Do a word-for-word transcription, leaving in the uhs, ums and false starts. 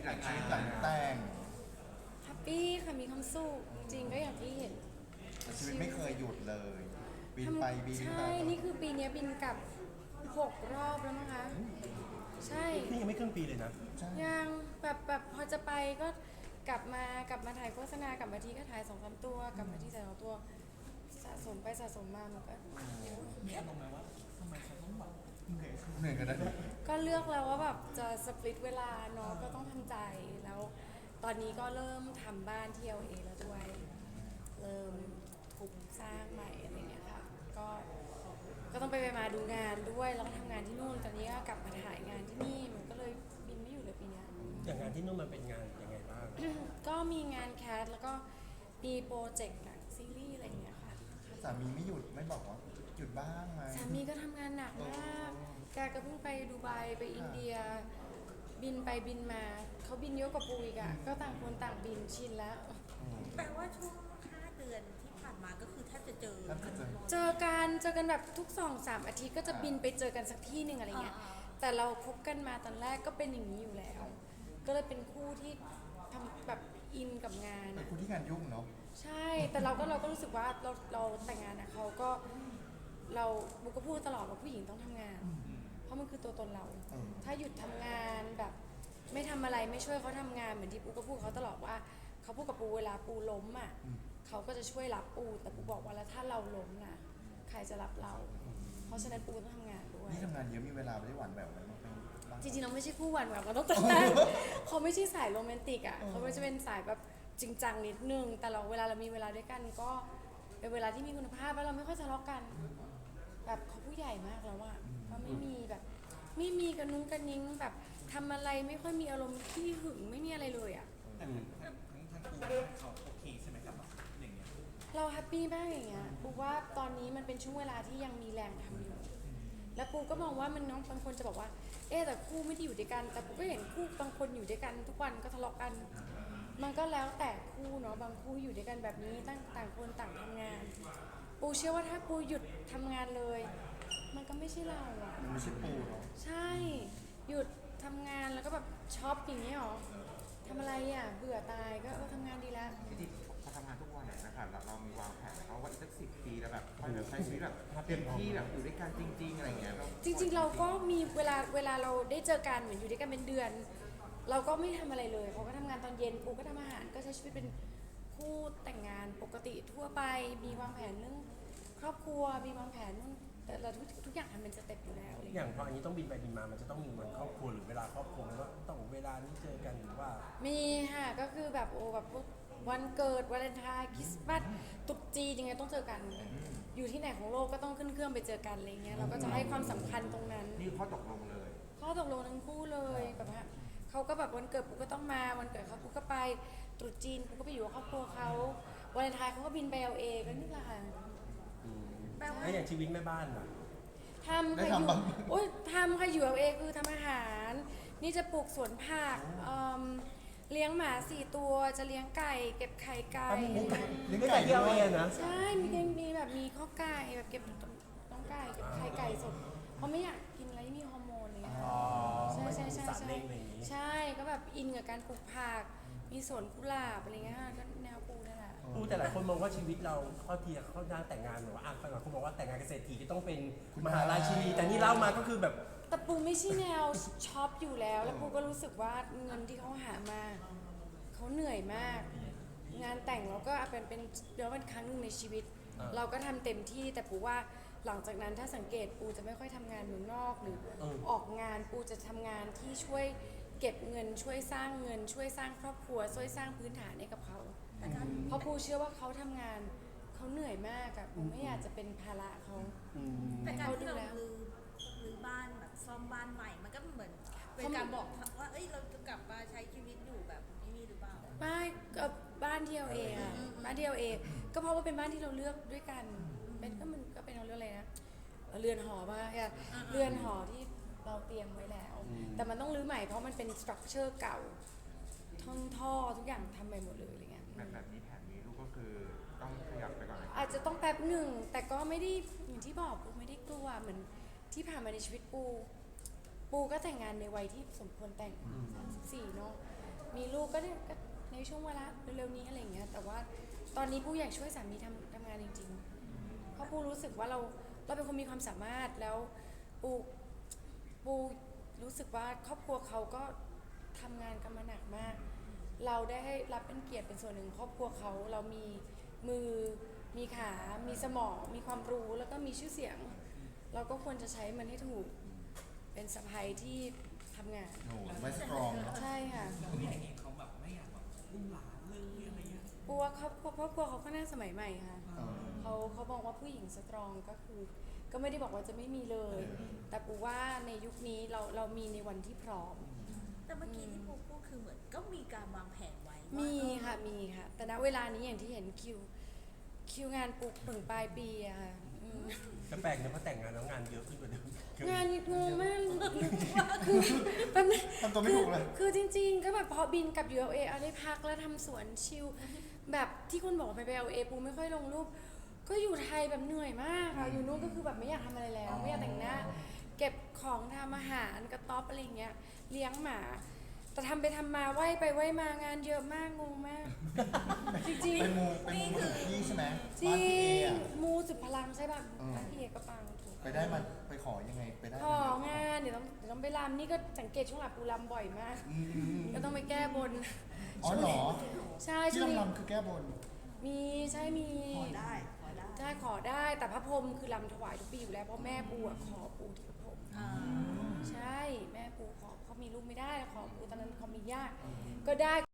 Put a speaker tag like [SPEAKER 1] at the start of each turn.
[SPEAKER 1] หลัง
[SPEAKER 2] ชีวิตหลังแต่ง
[SPEAKER 3] แฮปปี้ค่ะมีความสุขจริงก็อย่างที่เห็น
[SPEAKER 2] แต่ชีวิตไม่เคยหยุดเลย บิน
[SPEAKER 3] ทำ
[SPEAKER 2] ไปบินมา
[SPEAKER 3] ใช่ นี่คือปีนี้บินกลับหกรอบแล้วมั้งคะ ใช่
[SPEAKER 1] นี่ยังไม่ครึ่งปีเลยนะ
[SPEAKER 2] ใช่
[SPEAKER 3] ยังแบบแบบพอจะไปก็กลับมากลับมาถ่ายโฆษณากลับมาทีก็ถ่ายสองสามตัวกลับมาที่ถ่ายสองตัวสะสมไปสะสมมามันก็
[SPEAKER 4] มีอารมณ์ไหมว่าทำไมฉันต้องแบบเหนื่อย
[SPEAKER 2] เหนื่อยกันนะ
[SPEAKER 3] ก็เลือกแล้วว่าแบบจะสปลิตเวลาเนาะก็ต้องทำใจแล้วตอนนี้ก็เริ่มทำบ้านที่ แอล เอ แล้วด้วยเริ่มทุบสร้างใหม่อะไรเงี้ยค่ะก็ก็ต้องไปไปมาดูงานด้วยแล้วก็ทำงานที่นู่นตอนนี้ก็กลับมาถ่ายงานที่นี่มันก็เลยบินไม่อยู่เลยปีเนี้ย
[SPEAKER 1] อย่างงานที่นู่นมันเป็นงานยังไงบ้าง
[SPEAKER 3] ก็มีงานแคสแล้วก็มีโปรเจกต์หนังซีรีส์อะไรอย่างเงี้ยค่ะ
[SPEAKER 2] สามีไม่หยุดไม่บอกว่าหยุดบ้างไหม
[SPEAKER 3] สามีก็ทำงานหนักมากแกก็เพิ่งไปดูไบไปอินเดีย บินไปบินมาเขาบินเยอะกว่าปูอีกอะก็ต่างคนต่างบินชินแล้ว
[SPEAKER 5] แปลว่าช่วงห้าเดือนที่ผ่านมาก็คือแทบจะเจอ
[SPEAKER 2] แทบจะเจอ
[SPEAKER 3] เจอกันเจอกันแบบทุกสองสามอาทิตย์ก็จะบินไปเจอกันสักที่หนึ่งอะไรเงี้ย
[SPEAKER 5] อ่า
[SPEAKER 3] แต่เราคบกันมาตอนแรกก็เป็นอย่างนี้อยู่แล้ว ก็เลยเป็นคู่ที่ทำแบบอินกับงาน
[SPEAKER 2] เป็น
[SPEAKER 3] อะ
[SPEAKER 2] คนที่งานยุ่งเนาะ
[SPEAKER 3] ใช่ แต่เราก็เราก็รู้สึกว่าเราเราแต่งงานนะเขาก็เราบุกก็พูดตลอดว่าผู้หญิงต้องทำงาน เพราะมันคือตัวตนเรา
[SPEAKER 2] อืม
[SPEAKER 3] ถ้าหยุดทำงานแบบไม่ทำอะไรไม่ช่วยเขาทำงานเหมือนที่ปูก็พูดเขาตลอดว่าเขาพูดกับปูเวลาปูล้มอ่ะเขาก็จะช่วยรับปูแต่ปูบอกว่าแล้วถ้าเราล้มน่ะใครจะรับเรา เพราะฉะนั้นปูต้องทำงานด้วย
[SPEAKER 2] นี่ทำงานเยอะมีเวลาไม่ได้หวานแหววไหมบ้างบ้าง
[SPEAKER 3] จริงๆเราไม่ใช่คู่หวานแหววกันตั้งแต่แรก เขาไม่ใช่สายโรแมนติกอ่ะเขาไม่จะเป็นสายแบบจริงจังนิดนึงแต่เราเวลาเรามีเวลาด้วยกันก็เป็นเวลาที่มีคุณภาพแล้วเราไม่ค่อยทะเลาะกัน แบบเขาผู้ใหญ่มากแล้วอะก็ไม่มีแบบไม่มีกระนุ้งกระนิ้งแบบทำอะไรไม่ค่อยมีอารมณ์ขี้หึงไม่มีอะไรเลยอะ
[SPEAKER 4] แต่ทั้งทั้งทั้งคู่เขาโอเคใช่ไหมครับอย่างเงี้ย
[SPEAKER 3] เราแฮปปี้มากอย่างเงี้ยปูว่าตอนนี้มันเป็นช่วงเวลาที่ยังมีแรงทำอยู่ แล้วปูก็มองว่ามันน้องบางคนจะบอกว่า เอ๊ะแต่คู่ไม่ได้อยู่ด้วยกัน แต่ปูก็เห็นคู่บางคนอยู่ด้วยกันทุกวันก็ทะเลาะกัน มันก็แล้วแต่คู่เนาะบางคู่อยู่ด้วยกันแบบนี้ต่างต่างคนต่างทำงาน ปูเชื่อว่าถ้าปูหยุดทำงานเลย มันก็ไม่ใช่เราอะ
[SPEAKER 2] มันไม่ใช่ปูเนาะ
[SPEAKER 3] ใช่ หยุดทำงานแล้วก็แบบช็อปอย่างนี้ยหรอทำอะไรอ่ะ เบื่อตายก็เออทำงานดีแล้ว
[SPEAKER 6] จริงๆพอทำงานทุกวันเนี่ยนะครับเราเรามีวางแผนไหมครับว่าอีกสักสิบปีแล้วแบบค่อยแบบใช้ชีวิตแบบเต็มที่แบบอยู่ด้วยกันจริง ๆอะไรเงี้ยแบบ
[SPEAKER 3] จริงๆ เราก็มีเวลาเวลาเราได้เจอกันเหมือนอยู่ด้วยกันเป็นเดือน เราก็ไม่ทำอะไรเลยเขาก็ทำงานตอนเย็นปูก็ทำอาหารก็ใช้ชีวิตเป็นคู่แต่งงานปกติทั่วไปมีวางแผนเรื่องครอบครัวมีวางแผนเรื่องแต่เราทุกทุกอย่างทำเป็นสเต็ปอยู่แล้วอะไร
[SPEAKER 1] อ
[SPEAKER 3] เงี้ย
[SPEAKER 1] ย่างพออันนี้ต้องบินไปบินมา มันจะต้องมีวันครอบครัวหรือเวลาครอบครัวไหมว่าต้องเวลานี้เจอกันหรือว่า
[SPEAKER 3] มีค่ะก็คือแบบโอ้แบบพวกวันเกิดวาเลนไทน์คริสต์มาสตรุษจีนยังไงต้องเจอกัน อยู่ที่ไหนของโลกก็ต้องขึ้นเครื่องไปเจอกันอะไรเงี้ยเราก็จะให้ความสำคัญตรงนั้น
[SPEAKER 6] นี่ข้อตกลงเลย
[SPEAKER 3] ข้อตกลงทั้งคู่เลยแบบว่าเขาก็แบบวันเกิดปุ๊กก็ต้องมาวันเกิดเขาปุ๊กก็ไปตรุษจีนปุ๊กก็ไปอยู่กับครอบครัวเขาวาเลนไทน์เขาก็บินไปเอาเองก็นี่แหละค่ะ
[SPEAKER 5] แปลว่า
[SPEAKER 1] แล้วอย่างชีวิตแม่บ้านล่ะ
[SPEAKER 3] ทำค่ะอยู่โอ้ยทำค่ะอยู่เอาเองคือทำอาหาร นี่จะปลูกสวนผักเอิ่มเลี้ยงหมาสี่ตัวจะเลี้ยงไก่เก็บไข่ไก่
[SPEAKER 1] เลี้ยงไก่ที่เอาเองนะ
[SPEAKER 3] ใช่มีมีแบบมีข้อไก่แบบเก็บน้องไก่เก็บไข่ไก่สดเพราะไม่อยากกินอะไรที่มีฮอร์โมนอะไรเลย
[SPEAKER 1] อ๋อ
[SPEAKER 3] ใช่ใช่ใช่
[SPEAKER 1] สัตว์
[SPEAKER 3] ใช่
[SPEAKER 1] เลี้ยงอะไรอย่างนี้
[SPEAKER 3] ใช่ก็แบบอินกับการปลูกผักมีสวนกุหลาบอะไรเงี้ยก็แนวปูนั่นแหละ
[SPEAKER 1] อู้แต่หลายคนมองว่าชีวิตเราข้อทีเข้าด้านแต่งงานหรือว่าอ่านฟังเขาบอกว่าแต่งงานเกษตรทีจะต้องเป็นมหาราชินีแต่นี่เล่ามาก็คือแบบ
[SPEAKER 3] แต่ปูไม่ใช่แนวช็อปอยู่แล้ว แล้วปูก็รู้สึกว่าเงินที่เขาหามาเขาเหนื่อยมาก งานแต่งเราก็เป็นเป็นเดี๋ยวเป็นครั้งหนึ่งในชีวิต
[SPEAKER 1] อ่า
[SPEAKER 3] เราก็ทำเต็มที่แต่ปูว่าหลังจากนั้นถ้าสังเกตปูจะไม่ค่อยทำงานเมืองนอกหรือ
[SPEAKER 1] เออ
[SPEAKER 3] ออกงานปูจะทำงานที่ช่วยเก็บเงินช่วยสร้างเงิน ช่วยสร้างครอบครัว ช่วยสร้างพื้นฐานให้กับเขา
[SPEAKER 5] แต่การ
[SPEAKER 3] เพราะปูเชื่อว่าเขาทำงานเขาเหนื่อยมากอะปูไม่อยากจะเป็นภาระเขา
[SPEAKER 1] อืม
[SPEAKER 5] แต่การ
[SPEAKER 3] เขาดู
[SPEAKER 5] ที่เรา
[SPEAKER 3] แล
[SPEAKER 5] รื้อรื้อบ้านแบบซ่อมบ้านใหม่ มันก็เหมือนเป็นการบอกว่าเอ้ยเราจะกลับมาใช้ชีวิตอยู่แบบนี้หรือเปล่า
[SPEAKER 3] ไม่ก็บ้านที่เราเองอะบ้านที่เราเองก็เพราะว่าเป็นบ้านที่เราเลือกด้วยกันเป็นก็มันก็เป็นเราเลือกอะไรนะเรือนหอมาอะเรือนหอที่เราเตรียมไว้แล้ว แต่มันต้องรื้อใหม่เพราะมันเป็นสตรัคเจอร์เก่าท่อท่อทุกอย่างทำไปหมดเลยอะไรเงี้ย
[SPEAKER 6] แบบแบบนี้แผนนี้ลูกก็คือต้องขยับไปก่อนนะ
[SPEAKER 3] อาจจะต้องแป๊บหนึ่งแต่ก็ไม่ได้อย่างที่บอกปูไม่ได้กลัวเหมือนที่ผ่านมาในชีวิตปู ปูก็แต่งงานในวัยที่สมควรแต่งสามสิบสี่เนาะมีลูกก็เนี่ยก็ในช่วงเวลาเร็วๆนี้อะไรอย่างเงี้ยแต่ว่าตอนนี้ปูอยากช่วยสามีทำทำงานจริงๆเพราะปูรู้สึกว่าเราเราเป็นคนมีความสามารถแล้วปูปูรู้สึกว่าครอบครัวเขาก็ทำงานกันมาหนักมาก เราได้ให้รับเป็นเกียรติเป็นส่วนหนึ่งครอบครัวเขาเรามีมือมีขา มีสมอง มีความรู้แล้วก็มีชื่อเสียง เราก็ควรจะใช้มันให้ถูกเป็นสะใภ้ที่ทำงาน
[SPEAKER 2] โอ้โหไม่สตรองเนาะ
[SPEAKER 3] ใช่ค่ะ
[SPEAKER 4] แล้วพี่เองเขาแบบไม่อยากแบบอุ้มหลานเรื่องเรื่องอะไรเงี้ย
[SPEAKER 3] ปูว่าครอบครัวครอบครัวเขาก็น่าสมัยใหม่ค่ะ
[SPEAKER 2] เออ
[SPEAKER 3] เขาเขาบอกว่าผู้หญิงสตรองก็คือ ก็ไม่ได้บอกว่าจะไม่มีเลย แต่ปูว่าในยุคนี้เราเรามีในวันที่พร้อม
[SPEAKER 5] แต่เมื่อกี้ที่ปูพูดคือเหมือนก็มีการวางแผนไว้ว่า
[SPEAKER 3] มี
[SPEAKER 5] เออ
[SPEAKER 3] ค่ะมีค่ะ แต่ณเวลานี้อย่างที่เห็นคิวคิวงานปูถึงปลายปีอะค่ะอืม
[SPEAKER 1] ก็แปลกนะเพราะแต่งงานแล้วงานเยอะขึ้นกว่าเดิม
[SPEAKER 3] งานงงมากคือแป๊บนึง
[SPEAKER 2] ทำตัวไม่ถูกเลย
[SPEAKER 3] คือคือจริงๆ ก็แบบพอบินกลับ ยู เอล เอ เอาได้พักแล้วทำสวนชิลแบบที่คุณบอกไปไป เอล เอ ปูไม่ค่อยลงรูป ก็อยู่ไทยแบบเหนื่อยมากค่ะอยู่นู้นก็คือแบบไม่อยากทำอะไรแล้ว ไม่อยากแต่งหน้า เก็บของทำอาหารกระต๊อบอะไรอย่างเงี้ยเลี้ยงหมา แต่ทำไปทำมาไหวไปไหวมางานเยอะมากงงมาก จริง
[SPEAKER 2] เป็นมูเป็นมูถึงที่ใช่ไหม
[SPEAKER 3] ๆจ
[SPEAKER 2] บ้าน
[SPEAKER 3] ริ
[SPEAKER 2] พี่เอง อะ
[SPEAKER 3] มูสุดพลังใช่ป่ะ
[SPEAKER 2] เออ
[SPEAKER 3] บ้านพี่เอก็ปังถูก
[SPEAKER 2] ไปได้มันไปขอยังไงไปได้
[SPEAKER 3] ของานเดี๋ยวต้องเดี๋ยวต้องไปรำนี่ก็สังเกตช่วงหลังปูรำบ่อยมาก
[SPEAKER 2] อืมอืมอืม
[SPEAKER 3] ก็ต้องไปแก้บน
[SPEAKER 2] อ๋อเหรอ
[SPEAKER 3] ใช่
[SPEAKER 2] ที่
[SPEAKER 3] ช่วงนี้
[SPEAKER 2] ลำๆคือแก้บน
[SPEAKER 3] มีใช่มี
[SPEAKER 5] ขอได้ขอได้
[SPEAKER 3] ใช่ขอได้แต่พระพรหมคือรำถวายทุกปีอยู่แล้วเพราะแม่ปูอะขอปูที่พระพรหม
[SPEAKER 5] อ่า
[SPEAKER 3] ใช่แม่ปูขอเขามีลูกไม่ได้ขอปูตอนนั้นเขามีญาติก็ได้